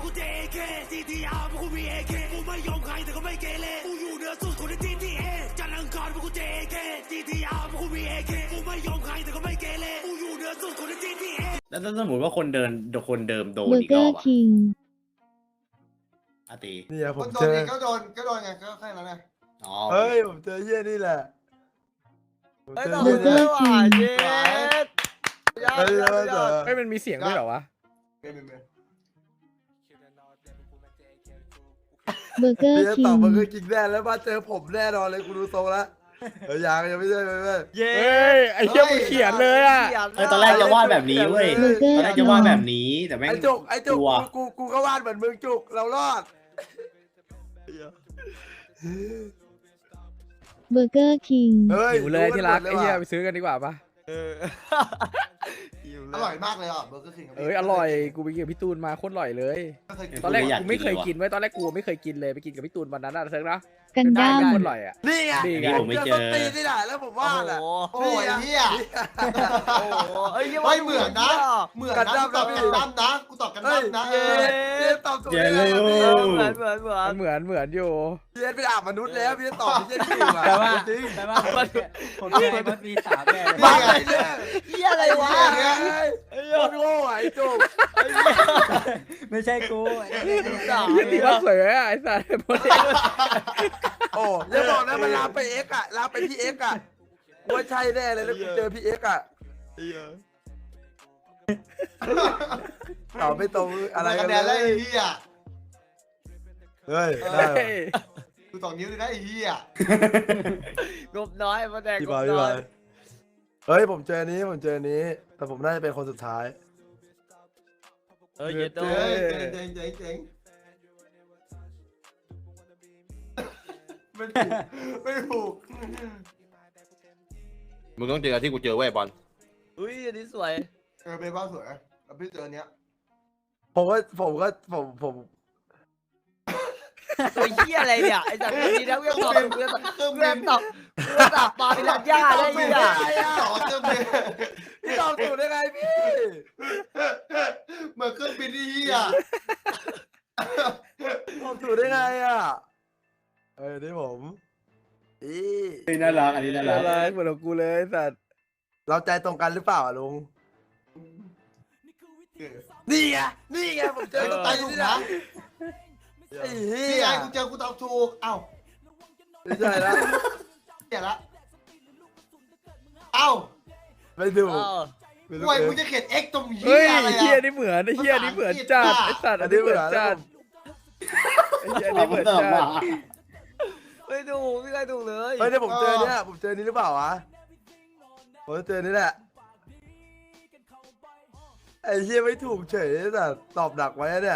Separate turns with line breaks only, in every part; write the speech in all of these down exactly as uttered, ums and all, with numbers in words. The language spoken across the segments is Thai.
กูเจเคซีทีอาร์กูมีเอเคกูไม่ยอมใครแต่ก็ไม่เกเรกูอยู่เหนือสุดคนในทีทีเอจันทร์อังคารกูเจเคซีทีอาร์กูมีเอเคกูไม่ยอมใครแต่ก็ไม่เกเรกูอยู่เหนือสุดคนในทีทีเอแล้วถ้าสมมติว่าคนเดินคนเดิมโดนอีกรอบอะอาตี
เนี่ยผมเจอก็โดนก็โดนไงก็แค่นั้นไงเฮ้ยผมเจอเฮียนี่แหละ
ไอ้ต่อเจอว่ะเย็ด
เฮ้ย
เฮ้ยมันมีเสียงด้วยเหรอวะ
เบอร์เกอร์คิงตอบเบอร์เกอร์คิงแน่แล้วมาเจอผมแน่นอนเลยกูดูทรงแล้วเฮ้ยยังยังไม่ใช่ไม่ใช่
เย้ไอ้เหี้ยมึงเขียนเลยอ่ะ
เออตอนแรกจะวาดแบบนี้เว้ยตอนแรกจะวาดแบบนี้แต่แม่ง
ไอ้จุกไอ้จุกกูกูก็วาดเหมือนมึงจุกเรารอด
เบอร์เกอร์คิง
หิวเลยที่รักไอ้เหี้ยไปซื้อกันดีกว่าปะ
อร่อยมากเลยอ่ะเบอร์เกอร์คิง
เอ้ยอร่อยกูไปกินกับพี่ตูนมาโคตรอร่อยเลยตอนแรกกูไม่เคยกินไว้ตอนแรกกูไม่เคยกินเลยไปกินกับพี่ตูนวันนั้นนะเซิร์ฟนะ
กันดั้ม
โคตรอร่อยอ่ะ
นี่ไง
นี่ผมไม่เจอ
ตีนี่แหละแล้วผมว่าแหละโอ้ยเฮีย
โอ้เอ้ย
ไม่เหมือนนะเหมือนกันดั้มนะกันดั้มนะกูตอบกันดั้มนะเออตอบถูกเลย
เหมือนเหมือนเหมือน
เหมือนเหมือนอยู่
พี่เอ็นเป็นอาบมนุษย์แล้วพี่ตอบไม่ใช่ที่อยู่อ่ะ
แต่ว่าแต่ว่าผมเจอมันมีสามแบบ
บ้าอะไรเนี่ย
เฮียอะไรวะ
ไอ้โง่โง่ไอ้จุก
ไม่ใช่กู
สามนี่ว่าสวยอ่ะไอ้สัตว์โมเดล
โอ้อย่าบอกนะมันลามไปเอ็กอะลามไปที่เอ็กอะว่าใช่แน่เลยแล้วกูเจอพี่เอ็กอะตอบไม่ตรงอะไรกันเลยไอ้เหี้ยเฮ้ยกูสองนิ้วเลยนะไอ้เหี้ย
งบน้อยมาแดงงบน้อย
เฮ้ยผมเจอนี้ผมเจอนี้แต่ผมน่าจะเป็นคนสุดท้าย
เออเย็ดโดย
เจ๋งเจ๋งเจ๋งไม่ถูกไม่ถูก
มึงต้องเจอที่กูเจอไว้บอล
อุ้ยอันนี้สวย
เออเป็นบ้านสวยแล้วพี่เจอเนี้ยผมก็ผมก็ผมผม
ไอ้เหี้ยอะไรเนี่ยไอ้สัตว์นี้นะเรื่องตอบเรื่องตอบเรื่องตอบเรื่องตอบปลาเป็นหลักย่าได้ยังไง
ต่อเครื่องบินพี่ตอบถูกได้ไงพี่เหมือนเครื่องบินที่เหี้ยตอบถูกได้ไงอ่ะเอ้ยนี่ผมอี
นี่น่ารักอันนี้น่ารัก
อะไรเหมือนกูเลยสัตว์
เราใจตรงกันหรือเปล่าลุงนี่ไงนี่ไงผมเจอต้องใจถูกนะไอ้เหี้ยกูเจอกูตอบถูกเอ้าไม่ใช่แล้วเหี้ยละเอ้าไม่ถูกป่วยกูจะเขียน X ตรงเหี้ยอะไรอ่ะ
เหี้ยนี่เหมือนไอ้เหี้ยนี่เหมือนจัดไอ้สัตว์อันนี้เหมือนจัดไอ้เหี้ยนี่เหมือนจัด
ไม่ถูกไม่เคยถูกเลย
เฮ้ยเดี๋ยวผมเจอเนี่ยผมเจอนี้หรือเปล่าวะผมเจอนี่แหละไอ้เหี้ยไม่ถูกเฉยแต่ตอบดักไว้เนี่ย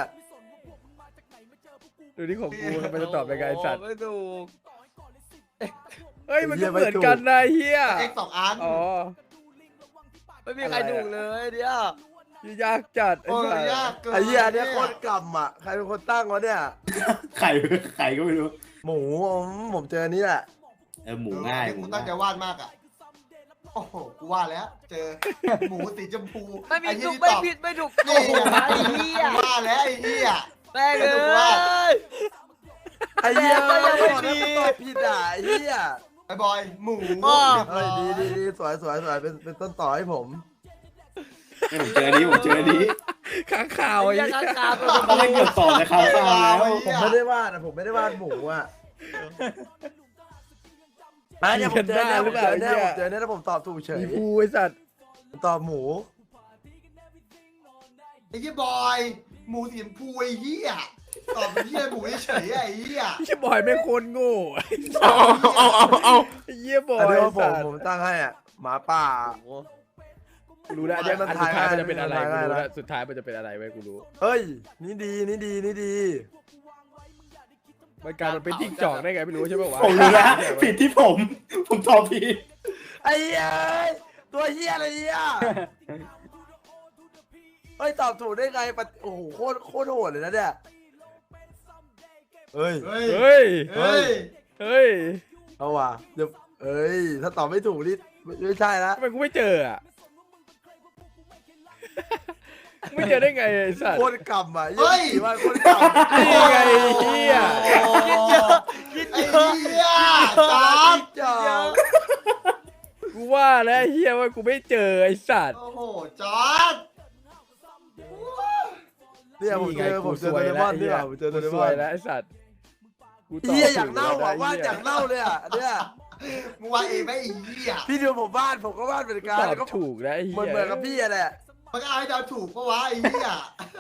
ดูนี่ของกูมันจะตอบยังไงสัตว์
ไม่ถูก
เฮ้ยมันก็เหมือนกันนะเฮีย
X สองอัน
อ๋อ
ไม่มีใครถูกเลยเดี๋ย
วยากจัด
ไอ้ไอ้เหี้ยเนี่ยคนกำอ่ะใครเป็นคนตั้งวะเนี่ย
ไข่ไข่ก็ไม่รู้
หมูผมเจอนี้แหละ
เออหมูง่าย
กูตั้งใจวาดมากอ่ะโอ้โหกูวาดแล้วเจอหมูสีชมพู
ไม่มีถูกไม่ผิดไม่ถูกโอ้โหไอ้เหี้ยว
าดแล้วไอ้เหี้ย
แม่งเลย
ไอ้เหี้ยไม่มีตอบผิดอ่ะไอ้เหี้ยไอ้บอยหมูเฮ้ยดีดีดีสวยสวยสวยเป็นเป็นต้นต่อให้ผม
ผมเจอนี้ผมเจอนี้
ข้างข่าวไอ้
ข้างข่าว
ตอนแรกเกือบตอบในข้างข่าวแล้ว
ผมไม่ได้วาดนะผมไม่ได้วาดหมูอ่ะอันนี้ผมเจอเนี่ยผมเจอเนี่ยผมเจอเนี่ยแล้วผมตอบถูกเฉย
กูไอ้สัตว์
ตอบหมูไอ้เหี้ยบอยหมูสีชมพูไอ้เหี้ยตอบเป็นเหี้ยหมูเฉยไอ้เหี้ย
ไอ้บอยไม่คนโง่
เอาเอาเอาเอา
ไอ้เหี้ยบอย
ผมผมตั้งให้อ่ะหมาป่า
รู้แล้วเนี่ยมันสุดท้ายมันจะเป็นอะไรกูรู้แล้วสุดท้ายมันจะเป็นอะไรไว้กูรู้
เฮ้ยนี่ดีนี่ดีนี่ดี
มันการมันเป็นจิ้งจอกได้ไงไม่รู้ใช่ไหมวะ
ผมรู้แล้วผิดที่ผมผมตอบผิด
ไอ้เหี้ยตัวเหี้ยอะไรเนี่ยเฮ้ยตอบถูกได้ไงโอ้โหโคตรโคตรโหดเลยนะเนี่ยเฮ้ยเฮ้ย
เฮ้ยเฮ้ยเฮ้ย
เอาว่ะเดี๋ยวเอ้ยถ้าตอบไม่ถูกนี่ไม่ใช่ละ
ทำไมกูไม่เจออ่ะ
ไอ้
ไม่เจอได้ไงไอ้สัตว์
โคตรกำอ่ะ
เฮ้ย
ว่าโคตรกำ
นี่ไงไอ้เฮีย
คิดเยอะคิด
ไอ้
เยอะ
เหี้ยจ๊อบ
จ้า
กูว่าแล้วไอ้เฮียว่ากูไม่เจอไอ้สัตว์
โอ้โหจ๊อบ
เนี่ยผมเจอผมเจอ
ส
โด
วย
เรม
แล้ว
อนนี่ว่ะผมเจอโดเร
ส
ม
ว
อย น
แล้วไอ้สัตว์กูตบ
เฮียอยากเล่า
ถู
อ่ะ
แล้ว
ว่า
ไหี้
อยากเล่าเลยอ่ะเนี่ย
มึงว่าเองไหมไอ้เหี้ย
พี่ดูผมวาดผมก็วาดเหมือนกัน
ต
แล้ว
อ
ก็
บถูกแล้วไอ้เฮี
เหมือน
ย
เหมือนกับพี่อะแหละ
มันก็เอาให้เดาถูกปะวะไอ้เหี้ย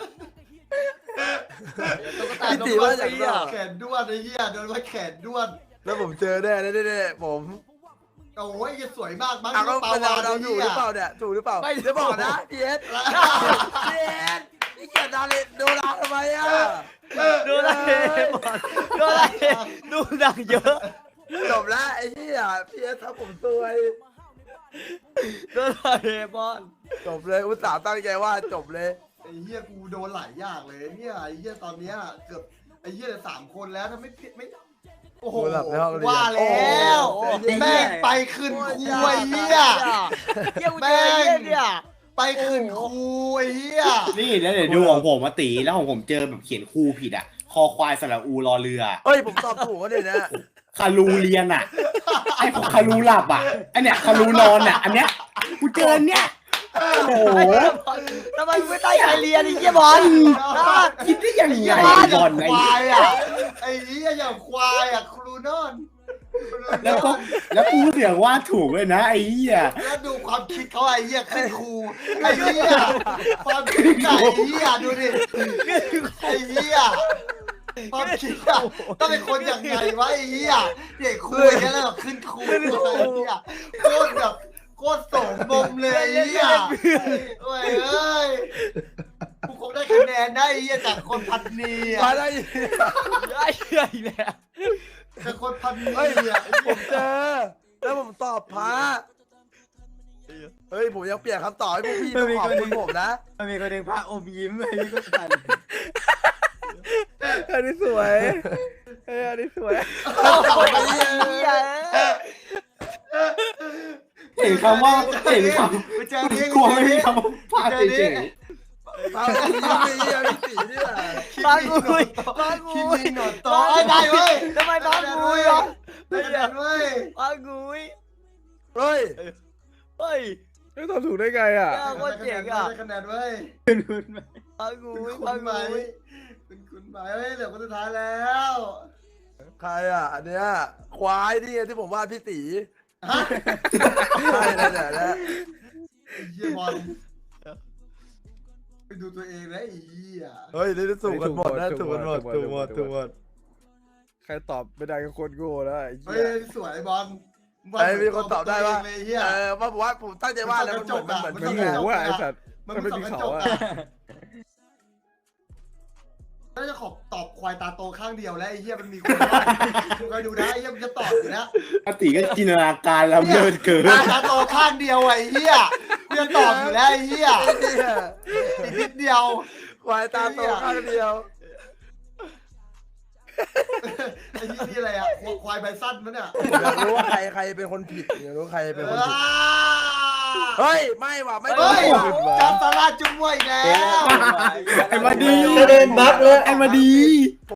ตุ๊กตา
พี่
ตุ๊
ตี
ก
ว่า
ตา
อยากเล่า
แขนด้วนไอ้เหี้ยโดนว่าแขนด้วน
แล้วผมเจอแน่แน่ๆผม
โอ้ยจะสวยมากมั้ง
อ่ะก็
ปลา
เป็น
วา
เรา
น
เราถูกหรือเปล่าเนี่ยถูกหรือเปล่า
ไม่
เดี๋ยวบอกนะพี่เอสพี่เอสพี่เกียรดาเลยโดราทำไมอ่ะ
ดูอะไรบอลดูอะไรดูหนังเยอะ
จบแล้วไอ้เหี้ยพี่เอสทำผมซวย
ดูอะไรบอล
จบเลยอุตส่าห์ตั้งใจว่าจบเลย
ไอ้เหี้ยกูโดนหลายอย่างเลยเนี่ยไอ้เหี้ยตอนเนี้ยเกือบไอ้เหี้ยเหลือสามคนแล้วถ้าไม่ผิดไม่โอ้โห
โดนหลับในห้องเรียน
ว่าแล้วแม่งไปขึ้นครูไอ้เหี้ย
เยี่ยมเจอเยี่ยเนี่ย
ไปขึ้นครูไอ้เหี้ย
นี่แล้วเดี๋ยวดูของผมมาตีแล้วของผมเจอแบบเขียนคู่ผิดอ่ะ คอควายสระอูรอเรือ
เฮ้ยผมตอบถูกก็เนี่ยนะ
คารูเรียนอ่ะ ไอ้ของคารูหลับอ่ะไอเนี้ยคารูนอนอ่ะ อันเนี้ยกูเจออันเนี้ยโอ้โห
ทำไมไม่ตั้งใจเรียนไอ้เยี่ยบอล
คิดได้ยังไง
ไอ้
บอล
ค
ไอ้
วายอ่ะไอ้เหี้ยอย่างควายอ่ะครูนอนครูนอน
แล้วก็แล้วกูเสียงว่าถูกเลยนะไอ้เหี้ย
แล้วดูความคิดเขาไอ้เหี้ยขึ้นครูไอ้เหี้ยความคิดไอ้เหี้ยดูดิไอ้เหี้ยความคิดอะต้องเป็นคนอย่างไงวะไอ้เหี้ยเด็กครูอย่างเงี้ยแล้วแบบขึ้นครูไอ้เหี้ยโคตรแบบโคตรโสมมมเลยไอ้เหี้ยโอ้ยเอ้ยกูคงได้คะแนนได้ไอ้เหี้ยจากคนพันนีอ่ะ
มาได้
ไอ้เหี้ยอีกแล้ว
จากคนพันนี
เฮ้ย
อ่ะ
ผมเจอแล้วผมตอบพระเฮ้ยผมยังเปลี่ยนคำตอบให้พวกพี่ต้องขอบคุณผมนะ
มันมีคนหนึ่งพระอมยิ้มไอ้นี่ก็ทัน
อันนี้สวยเอออันนี้สวย
โอ้โหไอ้เหี้ย
เห็นคำว่าเห็นค
ไปเจอ
ำ
นี้
กลัวไม่มีคำว่าพลาดเฉย
พระอมยิ้มไอ้เหี้ยพี่ตีนี่แหละ
บางกุยบาง
คิ
กุ
มิ
ย
โนโตะได้เว้ย
ทำไมบางกุยอ่ะ
ได้คะแนนเว้ย
บางกุย
เฮ้ย
เฮ้ย
ไม่ตอบถูกได้ไงอ่ะ
เจ้าโคตรเจ๋งอ่ะ
ได้คะแนนเว้ย
คุณคุณไหม
บางกุ
คุณ
ย
คุ
บาง
ณไหม
กุย
คุณคุณไหมเฮ้ยเหลือคนสุดท้ายแล้ว
ใครอ่ะอันเนี้ยควายนี่ไงที่ผมวาดพี่ตี
ฮะ
ใช่แล้วแหละนะ
ไอ้เหี้ยบอลไปดูตัวเองนะไอ้เหี้ย
เฮ้ยนี่ถูกกันหมดนะถูกกันหมดถูกหมดถูกหมด
ใครตอบไม่ได้ก็คนโง่แล้วไอ้
เฮ้
เหี้
ย
ย
สวยบอล
ไอ้มีคนตอบได้ว่า
เลยเหี้ย
เออว่าผมว่าผมตั้งใจวาดแล้วมันเหมือนมันเหมือน
มัน
พี่
ต้
ไง
อง
โง่อะไอ้สัตว์
มัน
มัน
ไม่
ไม่
สอง
มี
กระ
เขา
จก
อะ
อะน่าจะขอบตอบควายตาโตข้างเดียวแล้วไอ้เหี้ยมันมีคนว่ามึงคอยดูนะไอ้เหี้ยมันจะตอบอยู่นะ
ปกติก็จินตนาการล้ำเลิศเกิน
ตาโตข้างเดียวไอ้เหี้ยกูจะตอบอยู่แล้วไอ้เหี้ย
ไอ้เหี้ย
อีกนิดเดียว
ควายตาโตข้างเดียว
ไอ้ที่นี่อะไรอ่ะควายใบสั้นมั้ยเนี่ย
อยากรู้ว่าใครใครเป็นคนผิดอยากรู้ใครเป็นคนผิด
อ่า
เฮ้ยไม่ว่ะไม่
เฮ้ย
ว่ะ
จำตลาดจุ้มวยอีกแล้ว
ไอ้มาดี
เดินบัฟเลย
ไอ้มาดี